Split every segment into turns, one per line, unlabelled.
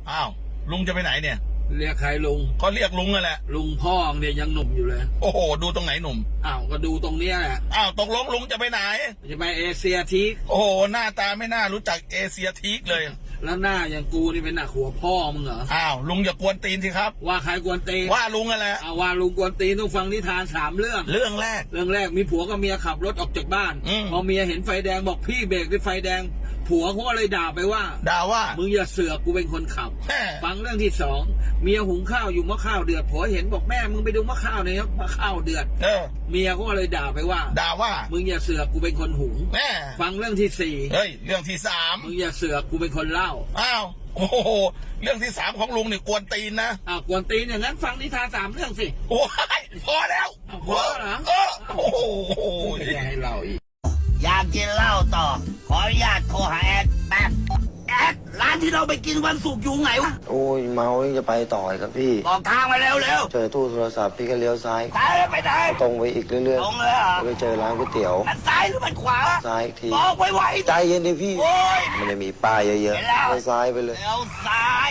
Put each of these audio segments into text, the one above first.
อ้าวลุงจะไปไหนเนี่ย
เรียกใครลุง
ก็เรียกลุงนั่นแหละ
ลุงพ่อเนี่ยยังหนุ่มอยู่เลย
โอ้โหดูตรงไหนหนุ่ม
อ้าวก็ดูตรงเนี้ยแหละ
อ้าวตกลงลุงจะไปไหน
จะไปเอเชียทีก
โอ้โหหน้าตาไม่น่ารู้จักเอเชียทีกเลย
แล้วหน้าอย่างกูนี่เป็นหน้าหัวพ่อมึงเหรอ
อ้าวลุงอย่ากวนตีนสิครับ
ว่าใครกวนตีน
ว่าลุงนั่นแหละ
ว่าลุงกวนตีนต้องฟังนิทาน3 เรื่อง
เรื่องแรก
มีผัวกับเมียขับรถออกจากบ้านพอเมียเห็นไฟแดงบอกพี่เบรกด้วยไฟแดงผัวเขาก็เลยด่าไปว่ามึงอย่าเสือกกูเป็นคนขับฟังเรื่องที่2เมียหุงข้าวอยู่มะข้าวเดือดผัวเห็นบอกแม่มึงไปดูมะข้าวหน่อยครับมะข้าวเดือดเมียก็เลยด่าไปว่ามึงอย่าเสือกกูเป็นคนหุงฟังเรื่องที่4
เฮ้ยเรื่องที่3
มึงอย่าเสือกกูเป็นคนเล่า
อ้าวโอ้โหเรื่องที่3ของลุงนี่กวนตีนนะ
กวนตีนอย่างนั้นฟังนิทาน3 เรื่องสิ
โอ้ยพอแล้ว
พอเหรอ
โอ้โห
อย่าให้เล่าอีก
อยากกินเหล้าต่อขออนุญาตโทรหาแอดแป๊บแอดร้านที่เราไปกินวันศุกร์อยู่ไหนวะ
โอ้ยเมายังจะไปต่อครับพี่
บอกทางมาเร็ว
เจอตู้โทรศัพท์พี่ก็เลี้ยวซ้าย
ไปไหน
ตรงไปอีกเรื่อย
ๆตรงเลยเหรอ
ไปเจอร้านก๋วยเตี๋ยว
มันซ้ายหรือมันขวา
ซ้ายอีกที
บอกไว
ใจเย็นดิพี่มันจะมีป้ายเยอะๆไปซ้ายไปเลย
เลี้ยวซ้าย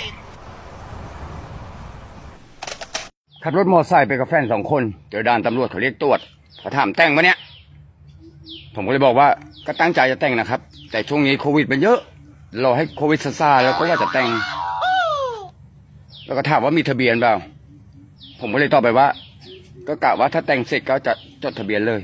ขับรถมอเตอร์ไซค์ไปกับแฟน2 คนเจอด่านตำรวจเขาเรียกตรวจเขาถามแต่งปะเนี่ยผมก็เลยบอกว่าก็ตั้งใจจะแต่งนะครับแต่ช่วงนี้โควิดมันเยอะรอให้โควิดซาแล้วก็ว่าจะแต่งแล้วก็ถามว่ามีทะเบียนเปล่าผมก็เลยตอบไปว่าก็กะว่าถ้าแต่งเสร็จก็จะจดทะเบียนเลย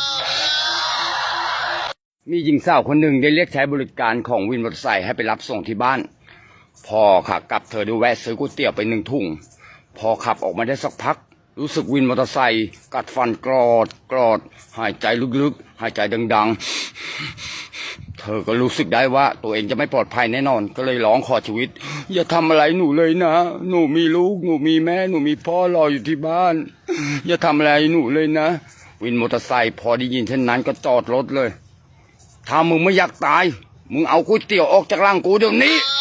มีหญิงสาวคนหนึ่งได้เรียกใช้บริการของวินมอเตอร์ไซค์ให้ไปรับส่งที่บ้านพอขากลับเธอดูแวะซื้อก๋วยเตี๋ยวไป1 ถุงพอขับออกมาได้สักพักรู้สึกวินมอเตอร์ไซค์กัดฟันกรอดหายใจลึกๆหายใจดังๆเธอก็รู้สึกได้ว่าตัวเองจะไม่ปลอดภัยแน่นอนก็เลยร้องขอชีวิตอย่าทำอะไรหนูเลยนะหนูมีลูกหนูมีแม่หนูมีพ่อรออยู่ที่บ้านอย่าทำอะไรหนูเลยนะวินมอเตอร์ไซค์พอได้ยินเช่นนั้นก็จอดรถเลยถ้ามึงไม่อยากตายมึงเอาก๋วยเตี๋ยวออกจากร่างกูเดี๋ยวนี้